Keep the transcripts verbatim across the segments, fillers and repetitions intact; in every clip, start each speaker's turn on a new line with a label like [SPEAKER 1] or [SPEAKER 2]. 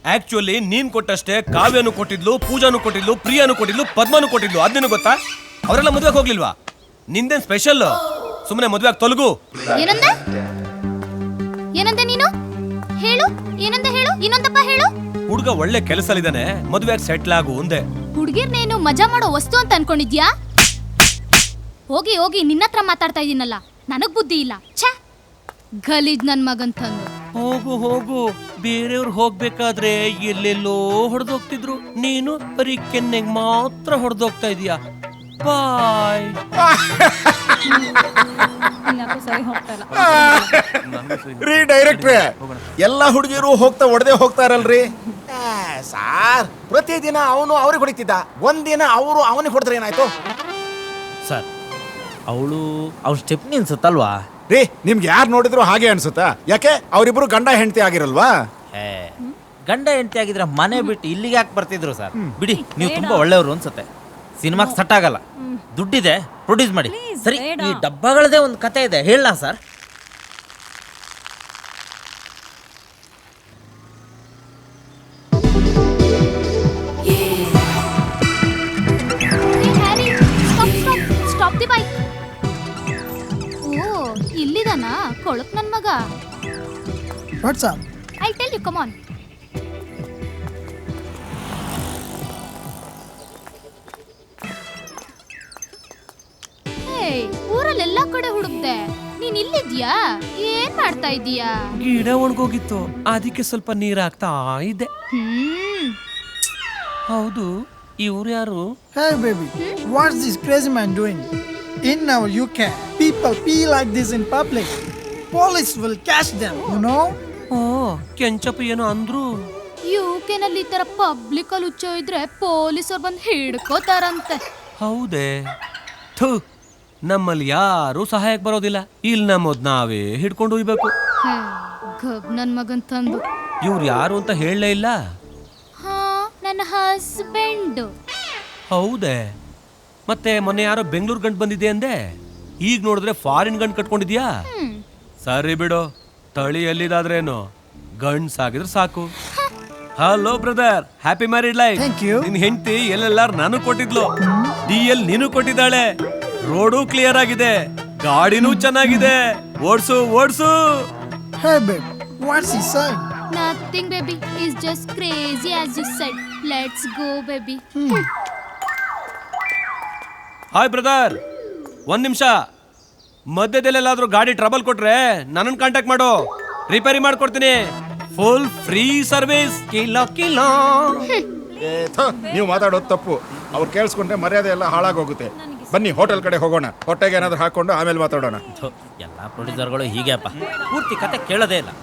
[SPEAKER 1] Actually ನೀನ್ ಕೊಟ್ಟಷ್ಟೇ ಕಾವ್ಯನು ಕೊಟ್ಟಿದ್ಲು, ಪೂಜಾನು ಕೊಟ್ಟಿದ್ಲು, ಪ್ರಿಯಾನು ಕೊಟ್ಟಿದ್ಲು, ಪದ್ಮನು ಕೊಟ್ಟಿದ್ಲು. ಅದೇನು ಗೊತ್ತಾ? ಅವರೆಲ್ಲ ಮದ್ವೆಗೆ ಹೋಗ್ಲಿಲ್ವಾ? ನಿಂದೇನ್ ಸ್ಪೆಷಲ್? ಸುಮ್ಮನೆ ಮದ್ವೆ ಆಗಿ ತೊಲಗು.
[SPEAKER 2] ಏನಂದೆ ಏನಂದೆ ನೀನು? ಹೇಳು, ಏನಂದೆ ಹೇಳು, ಇನ್ನೊಂದಪ್ಪ ಹೇಳು.
[SPEAKER 1] ಹುಡುಗ ಒಳ್ಳೆ ಕೆಲಸಲಿದ್ದಾನೆ, ಮದ್ವೆ ಆಗಿ ಸೆಟ್ಲ್ ಆಗು ಅಂದೆ.
[SPEAKER 2] ಹುಡುಗಿರ್ನೇನು ಮಜಾ ಮಾಡೋ ವಸ್ತು ಅಂತ ಅನ್ಕೊಂಡಿದ್ಯಾ? ಹೋಗಿ ಹೋಗಿ ನಿನ್ನತ್ರ ಮಾತಾಡ್ತಾ ಇದೀನಲ್ಲ, ನನಗ್ ಬುದ್ಧಿ ಇಲ್ಲ. ಛೇ, ಗಲೀಜ್ ನನ್ ಮಗಂತಂದು.
[SPEAKER 1] ಹೋಗು ಹೋಗು, ಬೇರೆಯವ್ರು ಹೋಗ್ಬೇಕಾದ್ರೆ ಎಲ್ಲೆಲ್ಲೋ ಹೊಡೆದೋಗ್ತಿದ್ರು, ನೀನು ಬರೀ ಕೆನ್ನೆಗ್ ಮಾತ್ರ ಹೊಡೆದೋಗ್ತಾ ಇದೀಯಾ. ಬಾಯ್.
[SPEAKER 3] ರೀ ಡೈರೆಕ್ಟ್ರೆ, ಎಲ್ಲ ಹುಡುಗಿರು ಹೋಗ್ತಾ ಒಡೆದೇ ಹೋಗ್ತಾರಲ್ರಿ ಸಾರ್. ಪ್ರತಿದಿನ ಅವನು ಅವ್ರಿಗೆ ಹೊಡಿತಿದ್ದ, ಒಂದಿನ ಅವರು ಅವನಿಗೆ ಹೊಡೆದ್ರೆ ಏನಾಯ್ತು
[SPEAKER 4] ಸರ್? ಅವಳು ಅವ್ರ ಸ್ಟೆಪ್ನಿ ಅನ್ಸುತ್ತಲ್ವಾ?
[SPEAKER 3] ರೀ, ನಿಮ್ಗೆ ಯಾರು ನೋಡಿದ್ರು ಹಾಗೆ ಅನ್ಸುತ್ತಾ? ಯಾಕೆ ಅವರಿಬ್ರು ಗಂಡ ಹೆಂಡತಿ ಆಗಿರಲ್ವಾ?
[SPEAKER 4] ಏ, ಗಂಡ ಹೆಂಡತಿ ಆಗಿದ್ರೆ ಮನೆ ಬಿಟ್ಟು ಇಲ್ಲಿಗೆ ಯಾಕೆ ಬರ್ತಿದ್ರು ಸರ್? ಬಿಡಿ, ನೀವು ತುಂಬಾ ಒಳ್ಳೆಯವರು ಅನ್ಸುತ್ತೆ. ಸಿನಿಮಾಗೆ ಸೆಟ್ ಆಗಲ್ಲ, ದುಡ್ಡಿದೆ, ಪ್ರೊಡ್ಯೂಸ್ ಮಾಡಿ. ಸರಿ, ಈ ಡಬ್ಬಗಳದೇ ಒಂದು ಕತೆ ಇದೆ, ಹೇಳ ಸರ್.
[SPEAKER 2] ಇಲ್ಲಿದಾನಾ ಕೊಳಕ್ ನನ್ ಮಗ?
[SPEAKER 5] What's up?
[SPEAKER 2] I'll tell you, come on. ಹೇ, ಊರಲ್ಲೆಲ್ಲಾ ಕಡೆ ಹುಡುಕ್ದೆ, ನೀನ್ ಇಲ್ಲಿದ್ಯಾ? ಏನ್ ಮಾಡ್ತಾ ಇದೀಯಾ?
[SPEAKER 1] ಗಿಡ ಒಣಗೋಗಿತ್ತು, ಅದಕ್ಕೆ ಸ್ವಲ್ಪ ನೀರ್ ಹಾಕ್ತಾ ಇದ್ದೆ.
[SPEAKER 2] ಹ್ಮ್.
[SPEAKER 1] ಹೌದು, ಇವ್ರು ಯಾರು?
[SPEAKER 5] Hey baby, what's this crazy man doing? In our U K, people pee like this in public. Police will catch them, you know?
[SPEAKER 1] ಓ, ಕೆಂಚಪ್ಪ ಏನೋ ಅಂದ್ರು.
[SPEAKER 2] ಯುಕೆನಲ್ಲಿ ಈ ತರ ಪಬ್ಲಿಕ್ ಅಲ್ಲಿ ಹುಚ್ಚ ಇದ್ರೆ ಪೊಲೀಸರು ಬಂದು ಹಿಡ್ಕೋತಾರಂತೆ.
[SPEAKER 1] ಹೌದೇ? ಥು, ನಮ್ಮಲ್ಲಿ ಯಾರು ಸಹಾಯಕ್ಕೆ ಬರೋದಿಲ್ಲ. ಇಲ್ಲಿ ನಮ್ಮದ್ ನಾವೇ ಹಿಡ್ಕೊಂಡು ಹೋಗ್ಬೇಕು.
[SPEAKER 2] ಗಬ್ ನನ್ ಮಗನ್ ತಂದು.
[SPEAKER 1] ಇವ್ರು ಯಾರು ಅಂತ ಹೇಳಲೇ ಇಲ್ಲ.
[SPEAKER 2] ಹಾ, ನನ್ನ ಹಸ್ಬೆಂಡ್.
[SPEAKER 1] ಹೌದೇ? ಮತ್ತೆ ಮೊನ್ನೆ ಯಾರೋ ಬೆಂಗಳೂರು ಗಂಟು ಬಂದಿದೆ ಅಂದೆ, ಈಗ ನೋಡಿದ್ರೆ ಫಾರಿನ್ ಗಂಟು ಕಟ್ಕೊಂಡಿದ್ಯಾ? ಸರಿ ಬಿಡು, ತಳಿ ಎಲ್ಲಿದಾದ್ರೇನು, ಗಂಡ್ಸ್ ಆಗಿದ್ರೆ ಸಾಕು. Hello brother, happy married life.
[SPEAKER 5] Thank you.
[SPEAKER 1] ನಿನ್ ಹೆಂಡತಿ ಎಲ್ಲೆಲ್ಲಾರು ನಾನು ಕೊಟ್ಟಿದ್ಲು, ಡಿ ಎಲ್ ನೀನು ಕೊಟ್ಟಿದ್ದಾಳೆ, ರೋಡು ಕ್ಲಿಯರ್ ಆಗಿದೆ, ಗಾಡಿನೂ ಚೆನ್ನಾಗಿದೆ, ಓಡ್ಸು ಓಡ್ಸು.
[SPEAKER 5] Hey babe, what's he saying?
[SPEAKER 2] Nothing baby, he's just crazy as you said. Let's go baby.
[SPEAKER 1] Hi brother, ಒಂದ್ ನಿಮಿಷ. ಮಧ್ಯದಲ್ಲೆಲ್ಲಾದ್ರೂ ಗಾಡಿ ಟ್ರಬಲ್ ಕೊಟ್ರೆ ನನ್ನನ್ನು ಕಾಂಟ್ಯಾಕ್ಟ್ ಮಾಡು, ರಿಪೇರಿ ಮಾಡ್ಕೊಡ್ತೀನಿ. Full free service. Kilo kilo.
[SPEAKER 3] ನೀವು ಮಾತಾಡೋದು ತಪ್ಪು, ಅವ್ರು ಕೇಳಿಸ್ಕೊಂಡ್ರೆ ಮರ್ಯಾದೆ ಎಲ್ಲ ಹಾಳಾಗೋಗುತ್ತೆ. ಬನ್ನಿ ಹೋಟೆಲ್ ಕಡೆ ಹೋಗೋಣ, ಹೊಟ್ಟೆಗೆ ಏನಾದ್ರು ಹಾಕೊಂಡು ಆಮೇಲೆ ಮಾತಾಡೋಣ.
[SPEAKER 4] ಎಲ್ಲ ಪ್ರೊಡ್ಯೂಸರ್ಗಳು ಹೀಗೆಪ್ಪ, ಪೂರ್ತಿ ಕತೆ ಕೇಳೋದೇ ಇಲ್ಲ.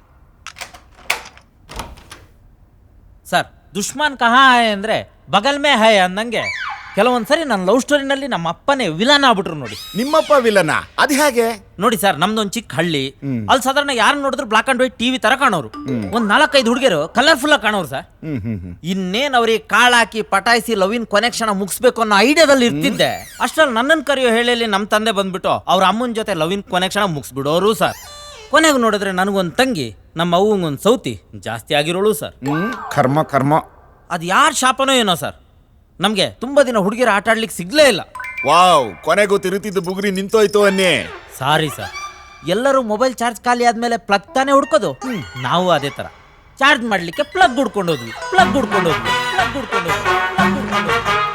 [SPEAKER 4] ಸರ್, ದುಶ್ಮನ್ ಕಹಾ ಹೈ ಅಂದ್ರೆ ಬಗಲ್ ಮೇ ಹೈ ಅಂದಂಗೆ ಕೆಲವೊಂದ್ಸರಿ ನನ್ನ ಲವ್ ಸ್ಟೋರಿನಲ್ಲಿ ನಮ್ಮ ಅಪ್ಪನೇ ವಿಲನ್ ಆಗ್ಬಿಟ್ರು ನೋಡಿ.
[SPEAKER 3] ನಿಮ್ಮಪ್ಪ ವಿಲನ? ಅದು ಹೇಗೆ?
[SPEAKER 4] ನೋಡಿ ಸರ್, ನಮ್ದೊಂದು ಚಿಕ್ಕ ಹಳ್ಳಿ, ಅಲ್ಲಿ ಸಾಧಾರಣ ಯಾರು ನೋಡಿದ್ರು ಬ್ಲಾಕ್ ಅಂಡ್ ವೈಟ್ ಟಿವಿ ತರ ಕಾಣೋರು. ಒಂದ್ ನಾಲ್ಕೈದು ಹುಡುಗಿಯರು ಕಲರ್ಫುಲ್ ಆಗಿ ಕಾಣೋರು ಸರ್. ಇನ್ನೇನ್ ಅವ್ರಿಗೆ ಕಾಳಾಕಿ ಪಟಾಯಿಸಿ ಲವಿನ್ ಕೊನೆಕ್ಷನ್ ಮುಗಿಸ್ಬೇಕು ಅನ್ನೋ ಐಡಿಯಾದಲ್ಲಿ ಇರ್ತಿದ್ದೆ. ಅಷ್ಟ್ರಲ್ಲಿ ನನ್ನನ್ನು ಕರೆಯೋ ಹೇಳಿ ನಮ್ಮ ತಂದೆ ಬಂದ್ಬಿಟ್ಟು ಅವ್ರ ಅಮ್ಮನ ಜೊತೆ ಲವಿನ್ ಕೊನೆಕ್ಷನ್ ಮುಗಿಸ್ಬಿಡೋರು ಸರ್. ಕೊನೆಗೆ ನೋಡಿದ್ರೆ ನನಗೊಂದು ತಂಗಿ, ನಮ್ಮ ಅವ್ವಂಗೊಂದು ಸೌತಿ ಜಾಸ್ತಿ ಆಗಿರೋಳು ಸರ್.
[SPEAKER 3] ಕರ್ಮ ಕರ್ಮ.
[SPEAKER 4] ಅದು ಯಾರ ಶಾಪನೋ ಏನೋ ಸರ್, ನಮ್ಗೆ ತುಂಬಾ ದಿನ ಹುಡುಗಿರ ಆಟ ಆಡ್ಲಿಕ್ಕೆ ಸಿಗ್ಲೇ ಇಲ್ಲ.
[SPEAKER 3] ವಾವ್, ಕೊನೆಗೂ ತಿರುತಿದ್ದು ಬುಗುರಿ ನಿಂತೋಯ್ತು ಅನ್ನಿ.
[SPEAKER 4] ಸಾರಿ ಸರ್, ಎಲ್ಲರೂ ಮೊಬೈಲ್ ಚಾರ್ಜ್ ಖಾಲಿ ಆದ್ಮೇಲೆ ಪ್ಲಗ್ ತಾನೇ ಹುಡ್ಕೋದು, ನಾವು ಅದೇ ತರ ಚಾರ್ಜ್ ಮಾಡ್ಲಿಕ್ಕೆ ಪ್ಲಗ್ ಹುಡ್ಕೊಂಡೋದ್ವಿ ಪ್ಲಗ್ ಹುಡ್ಕೊಂಡೋದ್ವಿ ಪ್ಲಗ್ ಹುಡ್ಕೊಂಡೋದ್ವಿ ಪ್ಲಗ್ ಹುಡ್ಕೊಂಡೋದ್ವಿ.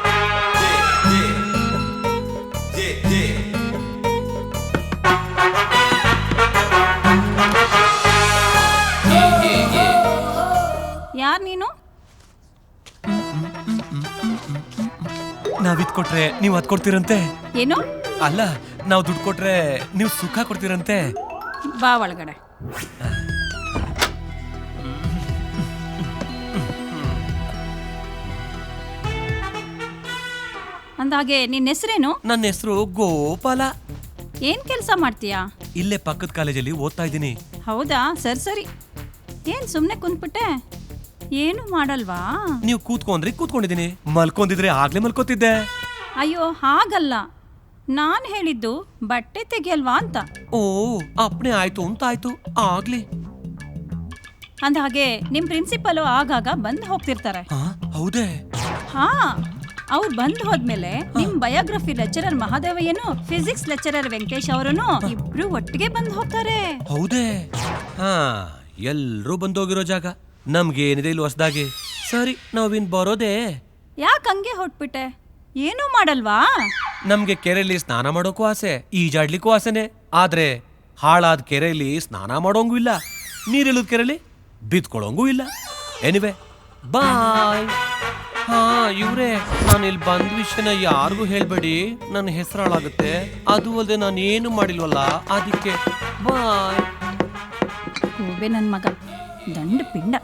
[SPEAKER 6] ಯಾರ್ ನೀನು?
[SPEAKER 1] ನಾವ್ ಇದ್ ಕೊಟ್ರೆ ನೀವ್ ಅದ್ ಕೊಡ್ತೀರಂತೆ.
[SPEAKER 6] ಏನು?
[SPEAKER 1] ಅಲ್ಲ, ನಾವ್ ದುಡ್ಡು ಕೊಟ್ರೆ ನೀವು ಸುಖ ಕೊಡ್ತೀರಂತೆ.
[SPEAKER 6] ಬಾ ಒಳಗಡೆ. ಅಂದಾಗೆ ನಿನ್ನ ಹೆಸರೇನು?
[SPEAKER 1] ನನ್ನ ಹೆಸರು ಗೋಪಾಲ.
[SPEAKER 6] ಏನ್ ಕೆಲಸ ಮಾಡ್ತೀಯಾ?
[SPEAKER 1] ಇಲ್ಲೇ ಪಕ್ಕದ ಕಾಲೇಜಲ್ಲಿ ಓದ್ತಾ ಇದ್ದೀನಿ.
[SPEAKER 6] ಹೌದಾ, ಸರಿ ಸರಿ. ಏನ್ ಸುಮ್ನೆ ಕುಂತ್ಬಿಟ್ಟೆ, ಏನು ಮಾಡಲ್ವಾ?
[SPEAKER 1] ನೀವು ಕೂತ್ಕೊಂಡ್ರಿ ಕೂತ್ಕೊಂಡಿದ್ದೀನಿ, ಮಲ್ಕೊಂಡಿದ್ರೆ ಆಗ್ಲೇ ಮಲ್ಕೋತಿದ್ದೆ.
[SPEAKER 6] ಅಯ್ಯೋ ಹಾಗಲ್ಲ, ನಾನ್ ಹೇಳಿದ್ದು ಬಟ್ಟೆ ತೆಗಿಯಲ್ವಾ ಅಂತ.
[SPEAKER 1] ಓ, ಅಪ್ನೆ ಆಯ್ತು ಅಂತ ಆಯ್ತು, ಆಗ್ಲಿ.
[SPEAKER 6] ಅಂದ ಹಾಗೆ ನಿಮ್ ಪ್ರಿನ್ಸಿಪಲ್ ಆಗಾಗ ಬಂದ್ ಹೋಗ್ತಿರ್ತಾರೆ.
[SPEAKER 1] ಆ, ಹೌದೇ?
[SPEAKER 6] ಹಾ, ಅವ್ರು ಬಂದ್ ಹೋದ್ಮೇಲೆ ನಿಮ್ ಬಯೋಗ್ರಫಿ ಲೆಕ್ಚರರ್ ಮಹಾದೇವಯ್ಯನು ಫಿಸಿಕ್ಸ್ ಲೆಕ್ಚರರ್ ವೆಂಕಟೇಶ್ ಅವರನ್ನು ಇಬ್ರು ಒಟ್ಟಿಗೆ ಬಂದ್ ಹೋಗ್ತಾರೆ.
[SPEAKER 1] ಹೌದೇ? ಹಾ, ಎಲ್ರೂ ಬಂದೋಗಿರೋ ಜಾಗ ನಮ್ಗೇನಿದೆ ಇಲ್ಲಿ ಹೊಸದಾಗಿ. ಸರಿ, ನಾವಿನ್ ಬರೋದೇ.
[SPEAKER 6] ಯಾಕೆ ಹಂಗೆ ಹೊಟ್ಬಿಟ್ಟೆ? ಏನೂ ಮಾಡಲ್ವಾ?
[SPEAKER 1] ನಮ್ಗೆ ಕೆರೆಯಲ್ಲಿ ಸ್ನಾನ ಮಾಡೋಕ್ಕೂ ಆಸೆ, ಈಜಾಡ್ಲಿಕ್ಕೂ ಆಸೆನೆ. ಆದ್ರೆ ಹಾಳಾದ ಕೆರೆಯಲ್ಲಿ ಸ್ನಾನ ಮಾಡೋಂಗೂ ಇಲ್ಲ, ನೀರಿಲ್ಲದ ಕೆರೆಯಲ್ಲಿ ಬಿದ್ಕೊಳ್ಳೋಂಗೂ ಇಲ್ಲ. Anyway bye. ಹಾ ಇವ್ರೆ, ನಾನು ಇಲ್ಲಿ ಬಂದ ವಿಷಯನ ಯಾರಿಗೂ ಹೇಳ್ಬೇಡಿ, ನನ್ನ ಹೆಸರು ಹಾಳಾಗುತ್ತೆ. ಅದು ಅಲ್ಲದೆ ನಾನು ಏನು ಮಾಡಿಲ್ವಲ್ಲ, ಅದಕ್ಕೆ ಬಾಯ್.
[SPEAKER 6] ಹೋಬೆ ನನ್ ಮಗ, ದಂಡ ಪಿಂಡ.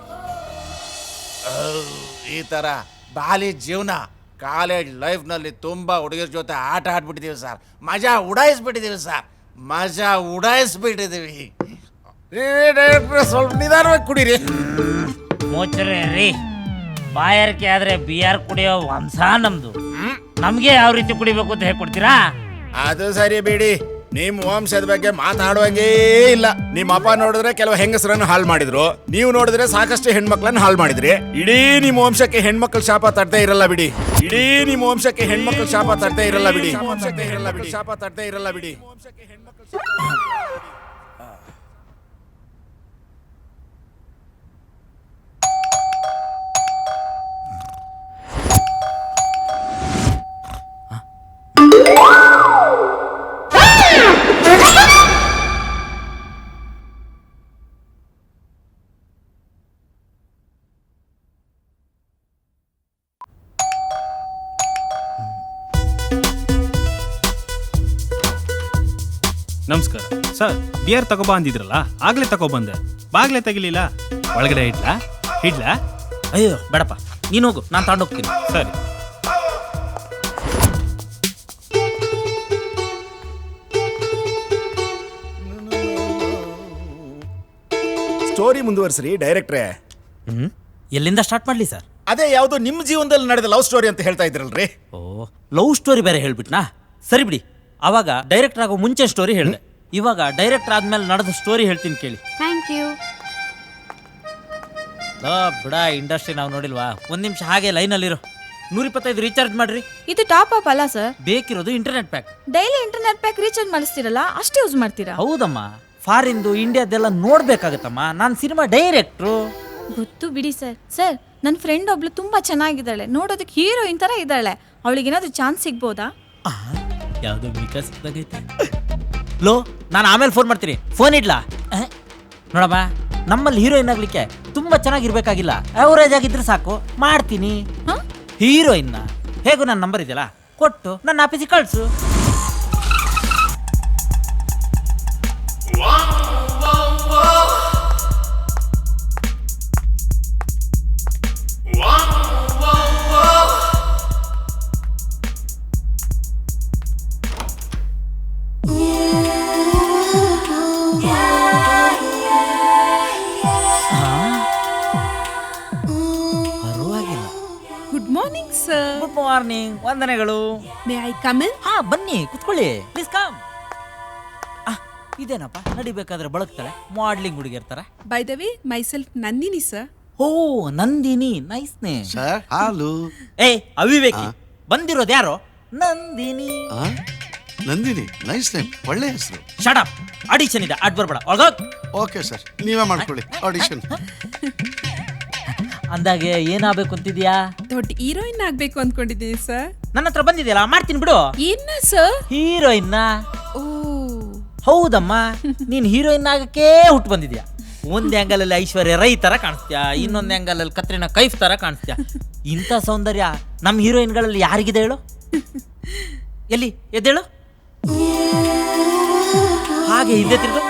[SPEAKER 3] ಈ ತರ ಬಾಲಿ ಜೀವನ ಕಾಲೇಜ್ ಲೈಫ್ ನಲ್ಲಿ ತುಂಬಾ ಹುಡುಗರ ಜೊತೆ ಆಟ ಆಡ್ಬಿಟ್ಟಿದೀವಿ ಸರ್. ಮಜಾ ಉಡಾಯಿಸ್ಬಿಟ್ಟಿದೀವಿ ಸರ್, ಮಜಾ ಉಡಾಯಿಸ್ಬಿಟ್ಟಿದೀವಿ. ಸ್ವಲ್ಪ ನಿಧಾನವಾಗಿ ಕುಡೀರಿ.
[SPEAKER 4] ಮೋಚರೆ ರೀ, ಬಾಯಾರಿಕೆ ಆದ್ರೆ ಬಿಯರ್ ಕುಡಿಯೋ ವಂಶ ನಮ್ದು. ನಮ್ಗೆ ಯಾವ ರೀತಿ ಕುಡಿಬೇಕು ಅಂತ ಹೇಳ್ಕೊಡ್ತೀರಾ?
[SPEAKER 3] ಅದು ಸರಿ ಬಿಡಿ, ನಿಮ್ ವಂಶದ ಬಗ್ಗೆ ಮಾತಾಡುವಾಗೇ ಇಲ್ಲ. ನಿಮ್ಮ ಅಪ್ಪ ನೋಡಿದ್ರೆ ಕೆಲವು ಹೆಂಗಸರನ್ನು ಹಾಳು ಮಾಡಿದ್ರು, ನೀವು ನೋಡಿದ್ರೆ ಸಾಕಷ್ಟು ಹೆಣ್ಮಕ್ಳನ್ನ ಹಾಳು ಮಾಡಿದ್ರಿ. ಇಡೀ ನಿಮ್ಮ ವಂಶಕ್ಕೆ ಹೆಣ್ಮಕ್ಳ ಶಾಪ ತಟ್ಟದೇ ಇರಲ್ಲ ಬಿಡಿ. ಇಡೀ ನಿಮ್ಮ ವಂಶಕ್ಕೆ ಹೆಣ್ಮಕ್ಳ ಶಾಪ ತಟ್ಟದೇ ಇರಲ್ಲ ಬಿಡಿ. ವಂಶಕ್ಕೆ ಇರಲ್ಲ ಬಿಡಿ, ಶಾಪ ತಟ್ಟದೇ ಇರಲ್ಲ ಬಿಡಿ.
[SPEAKER 7] ನಮಸ್ಕಾರ ಸರ್, ಬಿಯರ್ ತಗೋಬಾ ಅಂದಿದ್ರಲ್ಲ, ಆಗ್ಲೇ ತಗೊಬಂದೆ. ಬಾಗ್ಲೇ ತೆಗಿಲಿಲ್ಲ. ಒಳಗಡೆ ಇಡ್ಲಾ ಇಡ್ಲಾ?
[SPEAKER 4] ಅಯ್ಯೋ ಬೇಡಪ್ಪ, ನೀನು ಹೋಗು, ನಾನು ತಗೊಂಡೋಗ್ತೀನಿ.
[SPEAKER 7] ಸರಿ.
[SPEAKER 3] ಸ್ಟೋರಿ ಮುಂದುವರ್ಸ್ರಿ ಡೈರೆಕ್ಟ್ರೇ.
[SPEAKER 4] ಹ್ಮ್ ಎಲ್ಲಿಂದ ಸ್ಟಾರ್ಟ್ ಮಾಡ್ಲಿ ಸರ್?
[SPEAKER 3] ಅದೇ ಯಾವ್ದೋ ನಿಮ್ ಜೀವನದಲ್ಲಿ ನಡೆದ ಲವ್ ಸ್ಟೋರಿ ಅಂತ ಹೇಳ್ತಾ ಇದ್ರಲ್ರಿ.
[SPEAKER 4] ಓ, ಲವ್ ಸ್ಟೋರಿ ಬೇರೆ ಹೇಳ್ಬಿಟ್ನಾ? ಸರಿ ಬಿಡಿ, ಅವಾಗ ಡೈರೆಕ್ಟರ್ ಆಗೋ ಮುಂಚೆ ಸ್ಟೋರಿ ಹೇಳಿದೆ, ಇವಾಗ ಡೈರೆಕ್ಟರ್ ಆದ್ಮೇಲೆ ನಡೆದ ಸ್ಟೋರಿ ಹೇಳ್ತೀನಿ ಕೇಳಿ.
[SPEAKER 2] Thank you.
[SPEAKER 4] ಬಿಡ, ಇಂಡಸ್ಟ್ರಿ ನಾವು ನೋಡಿಲ್ವಾ? ಒಂದ್ ನಿಮಿಷ ಹಾಗೆ ಲೈನಲ್ಲಿರೋ. ನೂರ ಇಪ್ಪತ್ತೈದು ರೀಚಾರ್ಜ್ ಮಾಡ್ರಿ.
[SPEAKER 8] ಇದು ಟಾಪ್ ಅಪ್ ಅಲ್ಲ ಸರ್,
[SPEAKER 4] ಬೇಕಿರೋದು internet pack.
[SPEAKER 8] Daily internet pack recharge ಮಾಡಿಸ್ತಿರಲ್ಲ, ಅಷ್ಟೇ ಯೂಸ್ ಮಾಡ್ತೀರಾ?
[SPEAKER 4] ಹೌದಮ್ಮ, ಫಾರಿಂದು ಇಂಡಿಯಾದೆಲ್ಲ ನೋಡ್ಬೇಕಾಗತ್ತಮ್ಮ, ನಾನು ಸಿನಿಮಾ ಡೈರೆಕ್ಟ್ರು.
[SPEAKER 8] ಗೊತ್ತು ಬಿಡಿ ಸರ್. ಸರ್, ನನ್ನ ಫ್ರೆಂಡ್ ಒಬ್ಳು ತುಂಬಾ ಚೆನ್ನಾಗಿದ್ದಾಳೆ, ನೋಡೋದಕ್ಕೆ ಹೀರೋಯಿನ್ ತರ ಇದ್ದಾಳೆ. ಅವಳಿಗೆ ಏನಾದ್ರು ಚಾನ್ಸ್ ಸಿಗ್ಬೋದಾ?
[SPEAKER 4] ಯಾವ್ದೋ ವಿಕಾಸ್ ಲೋ, ನಾನು ಆಮೇಲೆ ಫೋನ್ ಮಾಡ್ತೀನಿ. ಫೋನ್ ಇಡ್ಲಾ? ನೋಡಮ್ಮ, ನಮ್ಮಲ್ಲಿ ಹೀರೋಯಿನ್ ಆಗ್ಲಿಕ್ಕೆ ತುಂಬಾ ಚೆನ್ನಾಗಿರ್ಬೇಕಾಗಿಲ್ಲ, ಅವರೇಜ್ ಆಗಿದ್ರೆ ಸಾಕು, ಮಾಡ್ತೀನಿ. ಹೀರೋಯಿನ್ನ ಹೇಗೂ ನನ್ನ ನಂಬರ್ ಇದೆಯಲ್ಲ, ಕೊಟ್ಟು ನನ್ನ ಆಫೀಸಿಗೆ ಕಳ್ಸು. ಗುಡ್ ಮಾರ್ನಿಂಗ್, ವಂದನೆಗಳು.
[SPEAKER 9] May I come in?
[SPEAKER 4] ಹಾ ಬನ್ನಿ, ಕುತ್ಕೊಳ್ಳಿ, ಪ್ಲೀಸ್ ಕಮ್. ಇದೇನಪ್ಪ, ನಡಿಬೇಕಾದ್ರೆ ಬಳಕ್ತಾಳೆ, ಮಾಡ್ಲಿಂಗ್ ಹುಡುಗಿರ್ತಾರ.
[SPEAKER 9] By the way, myself Nandini sir.
[SPEAKER 4] Oh Nandini, nice name.
[SPEAKER 10] Sir ಹಾಲು.
[SPEAKER 4] ಏಯ್ ಅವಿವೇಕಿ, ಬಂದಿರೋದು ಯಾರು? ನಂದಿನಿ.
[SPEAKER 10] ನಂದಿನಿ, ನೈಸ್ ನೇಮ್, ಒಳ್ಳೆ ಹೆಸರು.
[SPEAKER 4] ಶಟ್ ಅಪ್, ಆಡಿಷನ್ ಇದೆ, ಅಡ್ ಬರ್ಬೇಡ, ಒಳಗೋಗ್.
[SPEAKER 10] ಓಕೆ ಸರ್, ನೀವೇ ಮಾಡ್ಕೊಳ್ಳಿ ಆಡಿಷನ್.
[SPEAKER 4] ಅಂದಾಗೆ ಏನಾಗಬೇಕು ಅಂತಿದ್ಯಾ?
[SPEAKER 9] ದೊಡ್ಡ ಹೀರೋಯಿನ್ ಆಗ್ಬೇಕು ಅನ್ಕೊಂಡಿದ್ದೀನಿ ಸರ್.
[SPEAKER 4] ನನ್ನ ಹತ್ರ ಬಂದಿದೆಯಲ್ಲ, ಮಾಡ್ತೀನಿ ಬಿಡು.
[SPEAKER 9] ಏನ ಸರ್?
[SPEAKER 4] ಹೀರೋಯಿನ್ನ?
[SPEAKER 9] ಓ
[SPEAKER 4] ಹೌದಮ್ಮ, ನೀನ್ ಹೀರೋಯಿನ್ ಆಗಕ್ಕೆ ಹುಟ್ಟು ಬಂದಿದ್ಯಾ. ಒಂದ್ ಆಂಗಲ್ ಅಲ್ಲಿ ಐಶ್ವರ್ಯ ರೈ ತರ ಕಾಣಿಸ್ತೀಯಾ, ಇನ್ನೊಂದ್ ಆಂಗಲ್ ಅಲ್ಲಿ ಕತ್ರಿನಾ ಕೈಫ್ ತರ ಕಾಣಿಸ್ತೀಯಾ. ಇಂಥ ಸೌಂದರ್ಯ ನಮ್ ಹೀರೋಯಿನ್ಗಳಲ್ಲಿ ಯಾರಿಗಿದೆ ಹೇಳು? ಎಲ್ಲಿ ಎದ್ದೇಳು, ಹಾಗೆ ಹಿಂದೆ ತಿರುಗು.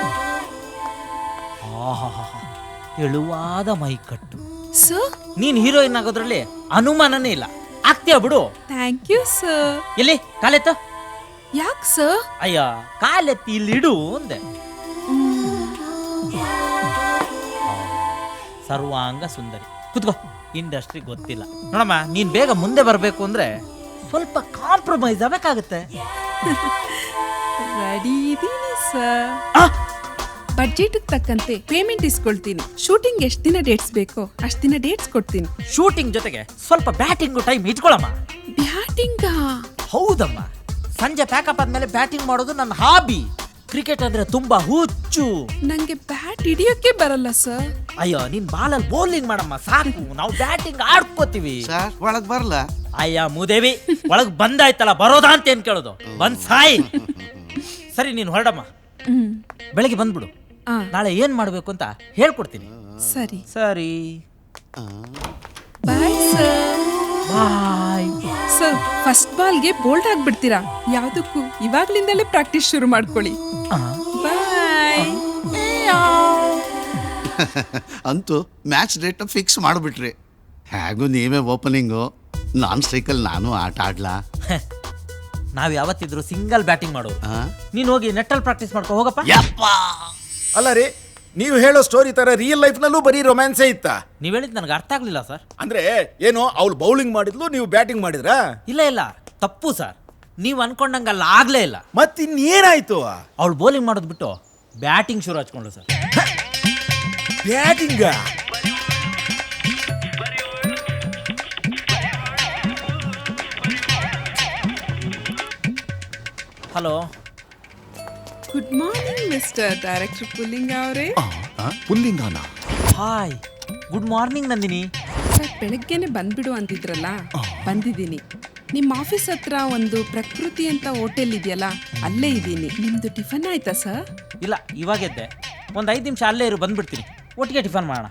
[SPEAKER 4] ಎಳುವಾದ ಮೈಕಟ್ಟು.
[SPEAKER 9] ಸರ್,
[SPEAKER 4] ನೀನ್ ಹೀರೋಯಿನ್ ಆಗೋದ್ರಲ್ಲಿ ಅನುಮಾನನೇ ಇಲ್ಲ, ಆಗ್ತೀಯ ಬಿಡು.
[SPEAKER 9] Thank you sir.
[SPEAKER 4] ಎಲ್ಲಿ ಕಾಲೆತ್ತು?
[SPEAKER 9] ಯಾಕೆ ಸರ್?
[SPEAKER 4] ಅಯ್ಯ, ಕಾಲೆತ್ತಿ ಇಲ್ಲಿ ಇಡು ಅಂದೆ. ಸರ್ವಾಂಗ ಸುಂದರಿ, ಕುತ್ಕೋ. ಇಂಡಸ್ಟ್ರಿ ಗೊತ್ತಿಲ್ಲ ನೋಡಮ್ಮ, ನೀನ್ ಬೇಗ ಮುಂದೆ ಬರ್ಬೇಕು ಅಂದ್ರೆ ಸ್ವಲ್ಪ ಕಾಂಪ್ರಮೈಸ್ ಆಗಬೇಕಾಗುತ್ತೆ.
[SPEAKER 9] ರೆಡಿ ಇದೀನಿ ಸರ್. ಬಡ್ಜೆಟ್ ತಕ್ಕಂತೆ ಪೇಮೆಂಟ್ ಇಸ್ಕೊಳ್ತೀನಿ. ಶೂಟಿಂಗ್ ಎಷ್ಟ್ ದಿನ ಡೇಟ್ಸ್ ಬೇಕೋ ಅಷ್ಟ್ ದಿನ ಡೇಟ್ಸ್ ಕೊಡ್ತೀನಿ.
[SPEAKER 4] ಶೂಟಿಂಗ್ ಜೊತೆಗೆ ಸ್ವಲ್ಪ ಬ್ಯಾಟಿಂಗ್ ಟೈಮ್ ಇಟ್ಕೊಳಮ್ಮ.
[SPEAKER 9] ಬ್ಯಾಟಿಂಗ?
[SPEAKER 4] ಹೌದಮ್ಮ, ಸಂಜೆ ಪ್ಯಾಕಪ್ ಆದ್ಮೇಲೆ ಬ್ಯಾಟಿಂಗ್ ಮಾಡೋದು ನನ್ನ ಹಾಬಿ. ಕ್ರಿಕೆಟ್ ಅಂದ್ರೆ ತುಂಬಾ ಹುಚ್ಚು.
[SPEAKER 9] ನಂಗೆ ಬ್ಯಾಟ್ ಹಿಡಿಯೋಕೆ ಬರಲ್ಲ ಸರ್.
[SPEAKER 4] ಅಯ್ಯೋ, ನೀನ್ ಬಾಲಲ್ಲಿ ಬೌಲಿಂಗ್ ಮಾಡಮ್ಮ ಸಾಕು, ನಾವು ಬ್ಯಾಟಿಂಗ್ ಆಡ್ಕೋತೀವಿ.
[SPEAKER 10] ಸರ್ ಒಳಗ್ ಬರಲ್ಲ?
[SPEAKER 4] ಅಯ್ಯ ಮೂದೇವಿ, ಒಳಗ್ ಬಂದಾಯ್ತಲ್ಲ, ಬರೋದಾ ಅಂತ ಏನ್ ಕೇಳೋದು? ಬಂದ್ ಸಾಯಿ. ಸರಿ, ನೀನ್ ಹೊರಡಮ್ಮ. ಬೆಳಗ್ಗೆ ಬಂದ್ಬಿಡು. ನಾಳೆ ಏನ್ ಮಾಡ್ಬೇಕು ಅಂತ ಹೇಳ್ಕೊಡ್ತೀನಿ.
[SPEAKER 9] ಸರಿ
[SPEAKER 4] ಸರಿ,
[SPEAKER 9] bye sir.
[SPEAKER 4] Bye.
[SPEAKER 9] Sir, first ಬಾಲ್ಗೆ ಬೋಲ್ಡ್ ಆಗ್ಬಿಡ್ತೀರಾ? ಯಾವ್ದಕ್ಕೂ ಇವಾಗ್ಲಿಂದಲೇ ಪ್ರಾಕ್ಟೀಸ್ ಶುರು ಮಾಡ್ಕೊಳ್ಳಿ. ಬಾಯ್.
[SPEAKER 10] ಅಂತೂ ಮ್ಯಾಚ್ ಡೇಟ್ ಫಿಕ್ಸ್ ಮಾಡಿಬಿಟ್ರಿ. ಹೇಗೂ ನೀವೇ ಓಪನಿಂಗು, ನಾನ್ ಸ್ಟ್ರೈಕಲ್ಲಿ ನಾನು ಆಟ ಆಡ್ಲಾ?
[SPEAKER 4] ನಾವ್ ಯಾವತ್ತಿದ್ರು ಸಿಂಗಲ್ ಬ್ಯಾಟಿಂಗ್ ಮಾಡೋದು.
[SPEAKER 10] ಆ?
[SPEAKER 4] ನೀನ್ ಹೋಗಿ ನೆಟ್ಟಲ್ಲಿ ಪ್ರಾಕ್ಟೀಸ್ ಮಾಡ್ಕೊ ಹೋಗಪ್ಪ.
[SPEAKER 10] ಯಪ್ಪ,
[SPEAKER 3] ಅಲ್ಲ ರೀ, ನೀವು ಹೇಳೋ ಸ್ಟೋರಿ ತರ ರಿಯಲ್ ಲೈಫ್ ನಲ್ಲೂ ಬರೀ ರೊಮ್ಯಾನ್ಸೇ ಇತ್ತಾ?
[SPEAKER 4] ನೀವ್ ಹೇಳಿದ್ ನನಗೆ ಅರ್ಥ ಆಗ್ಲಿಲ್ಲ ಸರ್.
[SPEAKER 3] ಅಂದ್ರೆ ಏನು, ಅವ್ಳು ಬೌಲಿಂಗ್ ಮಾಡಿದ್ಲು, ನೀವು ಬ್ಯಾಟಿಂಗ್ ಮಾಡಿದ್ರಾ?
[SPEAKER 4] ಇಲ್ಲ ಇಲ್ಲ, ತಪ್ಪು ಸರ್. ನೀವ್ ಅನ್ಕೊಂಡಂಗಲ್ಲ, ಆಗ್ಲೇ ಇಲ್ಲ.
[SPEAKER 3] ಮತ್ತಿನ್ನೇನಾಯ್ತು?
[SPEAKER 4] ಅವಳು ಬೌಲಿಂಗ್ ಮಾಡೋದ್ ಬಿಟ್ಟು ಬ್ಯಾಟಿಂಗ್ ಶುರು ಹಚ್ಕೊಂಡ್ಳು ಸರ್.
[SPEAKER 3] ಬ್ಯಾಟಿಂಗ?
[SPEAKER 4] Hello,
[SPEAKER 9] good morning mister director Pullinga ಅವರೇ.
[SPEAKER 3] ಪುಲ್ಲಿಂಗಾನ?
[SPEAKER 4] Hi, good morning Nandini.
[SPEAKER 9] Sir, ಬೆಳಗ್ಗೆನೆ ಬಂದ್ಬಿಡು ಅಂತಿದ್ರಲ್ಲ, ಬಂದಿದ್ದೀನಿ. ನಿಮ್ಮ ಆಫೀಸ್ ಹತ್ರ ಒಂದು ಪ್ರಕೃತಿ ಅಂತ ಹೋಟೆಲ್ ಇದೆಯಲ್ಲ, ಅಲ್ಲೇ ಇದ್ದೀನಿ. ನಿಮ್ದು ಟಿಫನ್ ಆಯ್ತಾ ಸರ್?
[SPEAKER 4] ಇಲ್ಲ, ಇವಾಗ ಎದ್ದೆ. ಒಂದ್ ಐದು ನಿಮಿಷ ಅಲ್ಲೇ ಇರು, ಬಂದ್ಬಿಡ್ತೀನಿ. ಒಟ್ಟಿಗೆ ಟಿಫನ್ ಮಾಡೋಣ.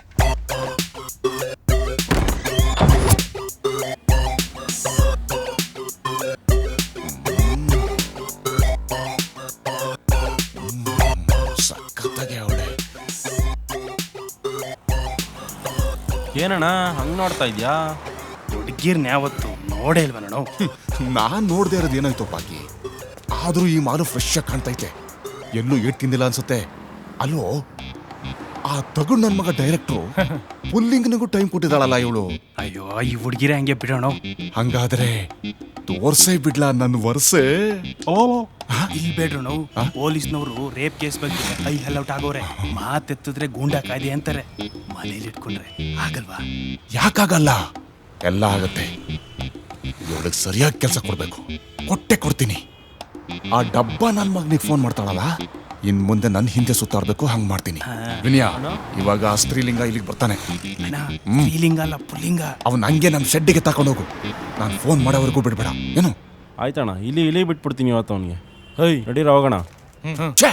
[SPEAKER 7] ಏನಣ್ಣ ಹಂಗ್ ನೋಡ್ತಾ ಇದ್ಯಾ? ಹುಡುಗಿರ್ನ ಯಾವತ್ತು ನೋಡೇ ಇಲ್ವ ನಾನು?
[SPEAKER 11] ನಾನ್ ನೋಡ್ದೆ ಇರೋದು ಏನಾಯ್ತು ಪಾಕಿ, ಆದ್ರೂ ಈ ಮಾಲು ಫ್ರೆಶ್ ಆಗಿ ಕಾಣ್ತೈತೆ. ಎಲ್ಲೂ ಏಟ್ ತಿಂದಿಲ್ಲ ಅನ್ಸುತ್ತೆ. ಅಲ್ಲೋ, ಆ ತಗೊಂಡ್ ನನ್ ಮಗ ಡೈರೆಕ್ಟ್ರು ಪುಲ್ಲಿಂಗ್ನಿಗೂ ಟೈಮ್ ಕೊಟ್ಟಿದ್ದಾಳಲ್ಲ ಇವಳು.
[SPEAKER 7] ಅಯ್ಯೋ, ಈ ಹುಡುಗಿರೇ ಹಂಗೆ ಬಿಡೋಣ.
[SPEAKER 11] ಹಂಗಾದ್ರೆ ತೋರ್ಸೇ ಬಿಡ್ಲಾ ನನ್ನ ವರ್ಷೆ?
[SPEAKER 7] ಓ, ಇಲ್ಲಿ ಬೇಡ್ರು ನಾವು. ಪೊಲೀಸ್ನವರು ರೇಪ್ ಕೇಸ್ ಬಗ್ಗೆ ಐ ಹಲೌಟ್ ಆಗೋರೆ. ಮಾತೆತ್ತಿದ್ರೆ ಗೂಂಡಾ ಕಾಯ್ದೆ ಅಂತಾರೆ. ಮನೇಲಿ ಇಟ್ಕೊಂಡ್ರೆ ಆಗಲ್ವಾ?
[SPEAKER 11] ಯಾಕಾಗಲ್ಲ, ಎಲ್ಲ ಆಗತ್ತೆ. ಇವಳಿಗೆ ಸರಿಯಾಗಿ ಕೆಲಸ ಕೊಡ್ಬೇಕು. ಕೊಟ್ಟೆ ಕೊಡ್ತೀನಿ. ಆ ಡಬ್ಬ ನನ್ ಮಗನಿಗೆ ಫೋನ್ ಮಾಡ್ತಾಳಲ್ಲ, ಇನ್ ಮುಂದೆ ನನ್ನ ಹಿಂದೆ ಸುತ್ತಾಡ್ಬೇಕು, ಹಂಗ್ ಮಾಡ್ತೀನಿ. ವಿನಯ, ಇವಾಗ ಆ ಸ್ತ್ರೀಲಿಂಗ ಇಲ್ಲಿಗೆ ಬರ್ತಾನೆ.
[SPEAKER 7] ಸ್ತ್ರೀಲಿಂಗ ಅಲ್ಲ, ಪುಲ್ಲಿಂಗ.
[SPEAKER 11] ಅವನ್ ಹಂಗೆ ನಮ್ ಶೆಡ್ಡಿಗೆ ತಕೊಂಡೋಗು. ನಾನು ಫೋನ್ ಮಾಡೋವರೆಗೂ ಬಿಡ್ಬೇಡ, ಏನು?
[SPEAKER 12] ಆಯ್ತಣ್ಣ, ಇಲ್ಲಿ ಇಲ್ಲಿ ಬಿಟ್ಬಿಡ್ತೀನಿ ಇವತ್ತು ಅವನಿಗೆ. ಹೈ, ನಡೀರ ಹೋಗೋಣ.
[SPEAKER 11] ಛೇ,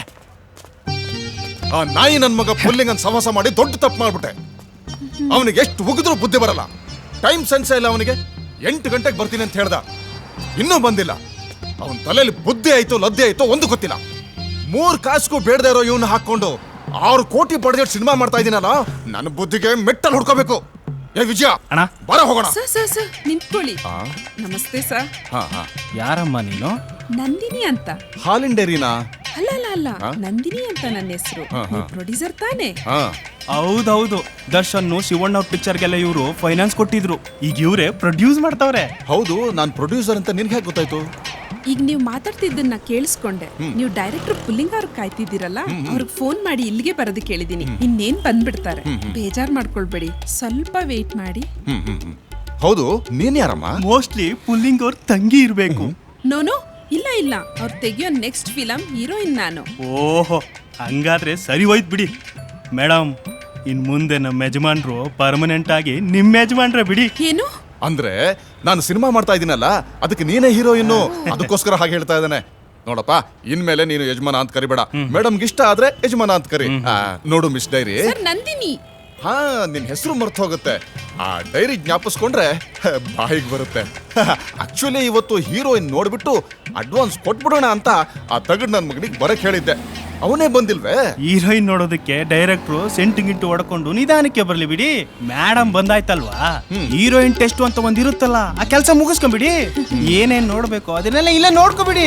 [SPEAKER 11] ಆ ನಾಯಿ ನನ್ ಮಗ ಪುಲ್ಲಿಂಗನ್ ಸವಾಸ ಮಾಡಿ ದೊಡ್ಡ ತಪ್ಪು ಮಾಡ್ಬಿಟ್ಟೆ. ಅವನಿಗೆ ಎಷ್ಟು ಉಗಿದ್ರೂ ಬುದ್ಧಿ ಬರಲ್ಲ. ಟೈಮ್ ಸೆನ್ಸ್ ಇಲ್ಲ ಅವನಿಗೆ. ಎಂಟು ಗಂಟೆಗೆ ಬರ್ತೀನಿ ಅಂತ ಹೇಳ್ದ, ಇನ್ನೂ ಬಂದಿಲ್ಲ. ಅವನ ತಲೆಯಲ್ಲಿ ಬುದ್ಧಿ ಆಯ್ತು ಲದ್ದೆ ಆಯ್ತು ಒಂದು ಗೊತ್ತಿಲ್ಲ. ಮೂರ್ ಕಾಸ್ಗೂ ಬೇಡದೇ ಇರೋ ಇವನ್ನ ಹಾಕೊಂಡು ಆರು ಕೋಟಿ ಬಡ್ಜೆಟ್ ಸಿನಿಮಾ ಮಾಡ್ತಾ ಇದೀನಲ್ಲ, ನನ್ನ ಬುದ್ಧಿಗೆ ಮೆಟ್ಟಲ್ ಹುಡ್ಕೋಬೇಕು. ಏ ವಿಜಯ,
[SPEAKER 7] ಅಣ್ಣ
[SPEAKER 11] ಬರ ಹೋಗೋಣ.
[SPEAKER 9] ಸರ್ ಸರ್ ಸರ್ ನಿಂತ್ಕೊಳ್ಳಿ. ನಮಸ್ತೆ ಸರ್.
[SPEAKER 11] ಹಾ ಹಾ.
[SPEAKER 7] ಯಾರಮ್ಮ ನೀನು?
[SPEAKER 9] ನಂದಿನಿ ಅಂತ.
[SPEAKER 11] ಹಾಲಿನ್ ಡೈರಿನಾ?
[SPEAKER 9] ಅಲ್ಲ ಅಲ್ಲ ಅಲ್ಲ, ನಂದಿನಿ ಅಂತ ನನ್ನ ಹೆಸರು. ಪ್ರೊಡ್ಯೂಸರ್ ತಾನೇ?
[SPEAKER 7] ಹೌದೌದು, ದರ್ಶನ್ ಶಿವಣ್ಣ ಅವ್ರ ಪಿಕ್ಚರ್ಗೆಲ್ಲ ಇವರು ಫೈನಾನ್ಸ್ ಕೊಟ್ಟಿದ್ರು. ಈಗ ಇವರೇ ಪ್ರೊಡ್ಯೂಸ್ ಮಾಡ್ತಾವ್ರೆ.
[SPEAKER 11] ಹೌದು, ನಾನ್ ಪ್ರೊಡ್ಯೂಸರ್ ಅಂತ ನಿನ್ಗೆ ಹೇಗೆ ಗೊತ್ತಾಯ್ತು?
[SPEAKER 9] ಈಗ ನೀವು ಮಾತಾಡ್ತಿದ್ದನ್ನ ಕೇಳಿಸ್ಕೊಂಡೆ. ನೀವು ಡೈರೆಕ್ಟರ್ ಪುಲ್ಲಿಂಗ ಅವ್ರಿಗೆ ಕಾಯ್ತಿದ್ದೀರಲ್ಲ, ಅವ್ರಿಗೆ ಫೋನ್ ಮಾಡಿ ಇಲ್ಲಿಗೆ ಬರೋದಕ್ಕೆ ಹೇಳಿದೀನಿ. ಇನ್ನೇನ್ ಬಂದ್ಬಿಡ್ತಾರೆ, ಬೇಜಾರ್ ಮಾಡ್ಕೊಳ್ಬೇಡಿ. ಸ್ವಲ್ಪ ವೇಟ್ ಮಾಡಿ.
[SPEAKER 11] ಹೌದು, ನೀನ್ ಯಾರಮ್ಮ?
[SPEAKER 7] ಮೋಸ್ಟ್ಲಿ ಪುಲ್ಲಿಂಗ್ ಅವ್ರ ತಂಗಿ ಇರ್ಬೇಕು.
[SPEAKER 9] ನೋನೋ, ಇಲ್ಲ ಇಲ್ಲ, ಅವ್ರು ತೆಗಿಯೋ ನೆಕ್ಸ್ಟ್ ಫಿಲಂ ಹೀರೋಯಿನ್ ನಾನು.
[SPEAKER 7] ಓಹೋ, ಹಂಗಾದ್ರೆ ಸರಿ ಹೋಯ್ತು ಬಿಡಿ ಮೇಡಮ್. ಇನ್ ಮುಂದೆ ನಮ್ಮ ಯಜಮಾನ್ರು ಪರ್ಮನೆಂಟ್ ಆಗಿ ನಿಮ್ ಯಜಮಾನ್ರೆ ಬಿಡಿ.
[SPEAKER 9] ಏನು
[SPEAKER 11] ಅಂದ್ರೆ ನಾನು ಸಿನಿಮಾ ಮಾಡ್ತಾ ಇದೀನಲ್ಲ, ಅದಕ್ಕೆ ನೀನೇ ಹೀರೋಯಿನ್ನು, ಅದಕ್ಕೋಸ್ಕರ ಹಾಗೆ ಹೇಳ್ತಾ ಇದ್ದಾನೆ. ನೋಡಪ್ಪ, ಇನ್ಮೇಲೆ ನೀನು ಯಜಮಾನ ಅಂತ ಕರಿಬೇಡ. ಮೇಡಮ್ಗೆ ಇಷ್ಟ ಆದ್ರೆ ಯಜಮಾನ ಅಂತ ಕರಿ. ನೋಡು ಮಿಸ್ ಡೈರಿ,
[SPEAKER 9] ನಂದಿನಿ.
[SPEAKER 11] ಹಾ, ನಿನ್ ಹೆಸರು ಮರ್ತು ಹೋಗುತ್ತೆ. ಆ ಡೈರಿ ಜ್ಞಾಪಿಸ್ಕೊಂಡ್ರೆ ಬಾಯಿಗೆ ಬರುತ್ತೆ. ಆಕ್ಚುಲಿ ಇವತ್ತು ಹೀರೋಯಿನ್ ನೋಡ್ಬಿಟ್ಟು ಅಡ್ವಾನ್ಸ್ ಕೊಟ್ಬಿಡೋಣ ಅಂತ ಆ ತಗಡ್ ನನ್ ಮಗನಿಗೆ ಬರಕ್ ಹೇಳಿದ್ದೆ. ಅವನೇ ಬಂದಿಲ್ವೇ?
[SPEAKER 7] ಹೀರೋಯಿನ್ ನೋಡೋದಕ್ಕೆ ಡೈರೆಕ್ಟ್ರು ಸೆಂಟು ಗಿಂಟು ಹೊಡ್ಕೊಂಡು ನಿಧಾನಕ್ಕೆ ಬರ್ಲಿ ಬಿಡಿ. ಮೇಡಮ್ ಬಂದಾಯ್ತಲ್ವಾ, ಹೀರೋಯಿನ್ ಟೆಸ್ಟ್ ಅಂತ ಒಂದ್ ಇರುತ್ತಲ್ಲ, ಆ ಕೆಲಸ ಮುಗಿಸ್ಕೊಂಬಿಡಿ. ಏನೇನ್ ನೋಡ್ಬೇಕು ಅದನ್ನೆಲ್ಲ ಇಲ್ಲ ನೋಡ್ಕೊಬಿಡಿ.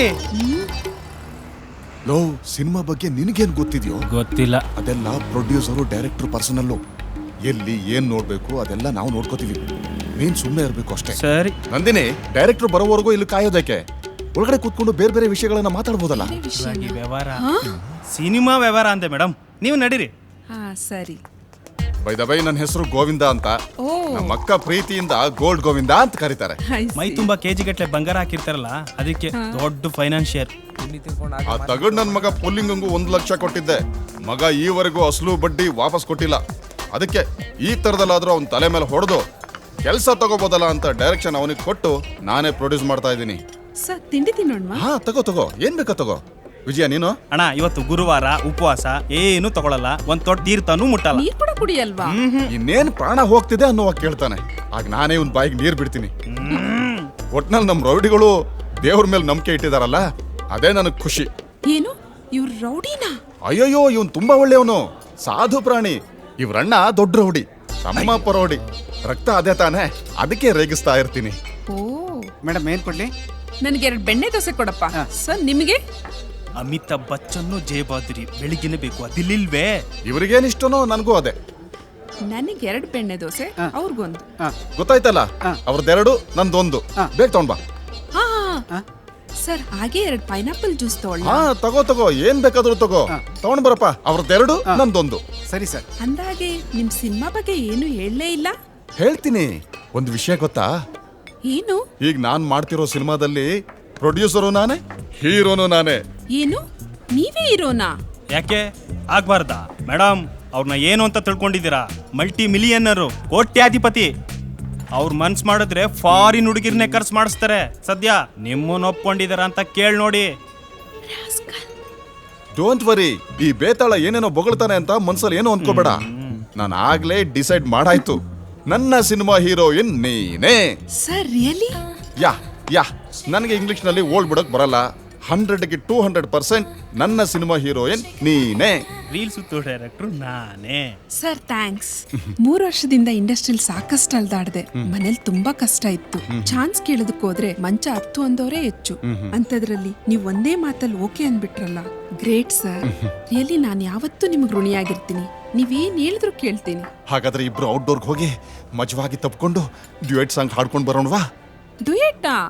[SPEAKER 11] ಲೋ, ಸಿನಿಮಾ ಬಗ್ಗೆ ನಿನಗೇನ್ ಗೊತ್ತಿದ್ಯೋ?
[SPEAKER 7] ಗೊತ್ತಿಲ್ಲ.
[SPEAKER 11] ಅದೆಲ್ಲ ಪ್ರೊಡ್ಯೂಸರು ಡೈರೆಕ್ಟರ್ ಪರ್ಸನಲ್ಲು. ಎಲ್ಲಿ ಏನ್ ನೋಡ್ಬೇಕು ಅದೆಲ್ಲ ನಾವು ನೋಡ್ಕೋತೀವಿ. ನೀನ್ ಸುಮ್ಮನೆ ಇರ್ಬೇಕು ಅಷ್ಟೇ.
[SPEAKER 7] ಸರಿ
[SPEAKER 11] ನಂದಿನಿ, ಡೈರೆಕ್ಟರ್ ಬರೋವರೆಗೂ ಇಲ್ಲಿ ಕಾಯೋದಕ್ಕೆ ಒಳಗಡೆ ಕೂತ್ಕೊಂಡು ಬೇರೆ ಬೇರೆ ವಿಷಯಗಳನ್ನ ಮಾತಾಡ್ಬೋದಲ್ಲ.
[SPEAKER 7] ವ್ಯವಹಾರ, ಸಿನಿಮಾ ವ್ಯವಹಾರ ಅಂತೆ ಮೇಡಮ್. ನೀವು ನಡೀರಿ.
[SPEAKER 9] ಹಾ ಸರಿ.
[SPEAKER 11] ಬೈ ದ ಬೈ ನನ್ನ ಹೆಸರು ಗೋವಿಂದ ಅಂತ.
[SPEAKER 9] ಓ
[SPEAKER 11] ನಮ್ಮ ಅಕ್ಕ ಪ್ರೀತಿಯಿಂದ ಗೋಲ್ಡ್ ಗೋವಿಂದ ಅಂತ ಕರೀತಾರೆ.
[SPEAKER 9] I see.
[SPEAKER 7] ಮೈ ತುಂಬಾ ಕೆಜಿ ಗಟ್ಲೆ ಬಂಗಾರ ಹಾಕಿರ್ತಾರಲ್ಲ ಅದಕ್ಕೆ ದೊಡ್ಡ ಫೈನಾನ್ಷಿಯರ್.
[SPEAKER 11] ಆ ತಗಡ್ ನನ್ ಮಗ ಪುಲ್ಲಿಂಗಂಗೂ ಒಂದು ಲಕ್ಷ ಕೊಟ್ಟಿದ್ದೆ. ಮಗ ಈವರೆಗೂ ಅಸಲು ಬಡ್ಡಿ ವಾಪಸ್ ಕೊಟ್ಟಿಲ್ಲ. ಅದಕ್ಕೆ ಈ ತರದಲ್ಲಾದ್ರೂ ಅವನ ತಲೆ ಮೇಲೆ ಹೊಡೆದು ಕೆಲಸ ತಗೋಬೋದಲ್ಲ ಅಂತ ಡೈರೆಕ್ಷನ್ ಅವನಿಗೆ ಕೊಟ್ಟು ನಾನೇ ಪ್ರೊಡ್ಯೂಸ್ ಮಾಡ್ತಾ ಇದ್ದೀನಿ.
[SPEAKER 9] ಸರ್ ತಿಂಡಿ ತಿನ್ನೋಣ್ವಾ?
[SPEAKER 11] ಹಾ ತಗೋ ತಗೋ, ಏನ್ ಬೇಕೋ ತಗೋ. ವಿಜಯ ನೀನು?
[SPEAKER 7] ಅಣ್ಣ ಇವತ್ತು ಗುರುವಾರ ಉಪವಾಸ, ಏನು ತಗೊಳಲ್ಲ, ಒಂದ್ ತೊಟ್ಟು ತೀರ್ಥನೂ ಮುಟ್ಟಲ್ಲ.
[SPEAKER 9] ನೀರ್ ಕೂಡ ಕುಡಿಯಲ್ವಾ?
[SPEAKER 11] ಇನ್ನೇನ್ ಪ್ರಾಣ ಹೋಗ್ತಿದೆ ಅನ್ನೋವಾಗ ಕೇಳ್ತಾನೆ. ಆಗ ನಾನೇ ಇವ್ನ ಬಾಯಿಗೆ ನೀರ್ ಬಿಡ್ತೀನಿ. ಒಟ್ನಲ್ಲಿ ನಮ್ ರೌಡಿಗಳು ದೇವ್ರ ಮೇಲೆ ನಂಬಿಕೆ ಇಟ್ಟಿದಾರಲ್ಲ, ಅದೇ ನನಗ್ ಖುಷಿ.
[SPEAKER 9] ಏನು ಇವ್ರು ರೌಡಿನಾ?
[SPEAKER 11] ಅಯ್ಯೋಯ್ಯೋ, ಇವನ್ ತುಂಬಾ ಒಳ್ಳೆಯವನು, ಸಾಧು ಪ್ರಾಣಿ. ಇವ್ರಣ್ಣ ದೊಡ್ಡ ರೌಡಿ, ತಮ್ಮಪ್ಪ ರೌಡಿ. ರಕ್ತ ಅದೇ ತಾನೆ, ಅದಕ್ಕೆ ರೇಗಿಸ್ತಾ ಇರ್ತೀನಿ.
[SPEAKER 9] ಓ
[SPEAKER 13] ಮೇಡಮ್ ಏನ್ ಕೊಡ್ಲಿ?
[SPEAKER 9] ನನಗೆ ಎರಡು ಬೆಣ್ಣೆ ದೋಸೆ ಕೊಡಪ್ಪ. ಸರ್ ನಿಮಗೆ?
[SPEAKER 7] ಅಮಿತಾಬ್ ಬಚ್ಚನ್ ಜಯಬಾದ್ರಿ ಬೆಳಿಗ್ಗೆನೆ ಬೇಕು, ಅದಿಲ್ಲಿಲ್ವೇ?
[SPEAKER 11] ಇವ್ರಿಗೇನಿಷ್ಟನೋ ನನಗೂ ಅದೇ.
[SPEAKER 9] ನನಗೆ ಎರಡು ಬೆಣ್ಣೆ ದೋಸೆ, ಅವ್ರಿಗೊಂದು.
[SPEAKER 11] ಗೊತ್ತಾಯ್ತಲ್ಲ, ಅವ್ರದ್ದೆರಡು ನಂದೊಂದು. ಬೇಗ ತಗೊಂಡ್ ಬಾ.
[SPEAKER 9] ಹಾ ಸರ್ ಹಾಗೆ ಎರಡು ಪೈನಾಪಲ್ ಜ್ಯೂಸ್ ತಗೊಳ್ಳ?
[SPEAKER 11] ಹಾ ತಗೋ ತಗೋ, ಏನ್ ಬೇಕಾದ್ರೂ ತಗೋ. ತಗೊಂಡ್ ಬರಪ್ಪ. ಅವ್ರದ್ದೆರಡು ನಂದೊಂದು.
[SPEAKER 13] ಸರಿ ಸರ್.
[SPEAKER 9] ಅಂದಾಗೆ ನಿಮ್ ಸಿನಿಮಾ ಬಗ್ಗೆ ಏನು ಹೇಳಲೇ ಇಲ್ಲ.
[SPEAKER 11] ಹೇಳ್ತೀನಿ. ಒಂದು ವಿಷಯ ಗೊತ್ತಾ?
[SPEAKER 9] ಏನು?
[SPEAKER 11] ಈಗ ನಾನ್ ಮಾಡ್ತಿರೋ ಸಿನಿಮಾದಲ್ಲಿ ಪ್ರೊಡ್ಯೂಸರು ನಾನೇ, ಹೀರೋನು ನಾನೇ.
[SPEAKER 9] ಏನು ನೀವೇ ಇರೋನಾ?
[SPEAKER 7] ಯಾಕೆ ಆಗ್ಬಾರ್ದಾ ಮೇಡಮ್? ಅವ್ರನ್ನ ಏನು ಅಂತ ತಿಳ್ಕೊಂಡಿದ್ದೀರಾ? ಮಲ್ಟಿ ಮಿಲಿಯನ್ನರು, ಕೋಟ್ಯಾಧಿಪತಿ. ಅವ್ರ ಮನ್ಸ್ ಮಾಡಿದ್ರೆ ಫಾರಿನ್ ಹುಡುಗಿರ್ನೇ ಖರ್ಚು ಮಾಡಿಸ್ತಾರೆ. ಸದ್ಯ ನಿಮ್ಮನ್ನ ಒಪ್ಕೊಂಡಿದಾರ ಅಂತ ಕೇಳಿ ನೋಡಿ.
[SPEAKER 11] ಡೋಂಟ್ ವರಿ, ಈ ಬೇತಾಳ ಏನೇನೋ ಬೊಗಳ್ತಾನೆ ಅಂತ ಮನ್ಸಲ್ಲಿ ಏನೋ ಅನ್ಕೋಬೇಡ. ನಾನು ಆಗ್ಲೇ ಡಿಸೈಡ್ ಮಾಡಾಯ್ತು, ನನ್ನ ಸಿನಿಮಾ ಹೀರೋಯಿನ್ ನೀನೇ.
[SPEAKER 9] Sir really?
[SPEAKER 11] ಯಾ ಯಾ ನನಗೆ ಇಂಗ್ಲಿಷ್ ನಲ್ಲಿ ಓಲ್ಡ್ ಬಿಡಕ್ ಬರಲ್ಲ. ಹಂಡ್ರೆಡ್ಗೆ ಟೂ ಹಂಡ್ರೆಡ್ ಪರ್ಸೆಂಟ್ ನನ್ನ ಸಿನಿಮಾ ಹೀರೋಯಿನ್ ನೀನೇ.
[SPEAKER 7] ರೀಲ್ ಸುತ್ತು ಡೈರೆಕ್ಟ್ರು ನಾನೇ.
[SPEAKER 9] Sir thanks. ಮೂರು ವರ್ಷದಿಂದ ಇಂಡಸ್ಟ್ರಿಲ್ ಸಾಕಷ್ಟು ಅಲ್ದಾಡ್ದೆ. ಮನೇಲಿ ತುಂಬಾ ಕಷ್ಟ ಇತ್ತು. ಚಾನ್ಸ್ ಕೇಳೋದಕ್ಕೆ ಹೋದ್ರೆ ಮಂಚ ಹತ್ತು ಅಂದವರೇ ಹೆಚ್ಚು. ಅಂತದ್ರಲ್ಲಿ ನೀವು ಒಂದೇ ಮಾತಲ್ಲಿ ಓಕೆ ಅಂದ್ಬಿಟ್ರಲ್ಲ, ಗ್ರೇಟ್ ಸರ್. ರಿಯಲಿ ನಾನು ಯಾವತ್ತೂ ನಿಮ್ಗೆ ಋಣಿಯಾಗಿರ್ತೀನಿ. ನೀವೇನ್ ಹೇಳಿದ್ರು ಕೇಳ್ತೀನಿ.
[SPEAKER 11] ಹಾಗಾದ್ರೆ ಇಬ್ರು ಔಟ್ಡೋರ್ಗೆ ಹೋಗಿ ಮಜವಾಗಿ ತಪ್ಕೊಂಡು ಡ್ಯೂಯೆಟ್ ಸಾಂಗ್ ಹಾಡ್ಕೊಂಡು ಬರೋಣವಾ?
[SPEAKER 9] ಡುಯೆಟ್ಟಾ?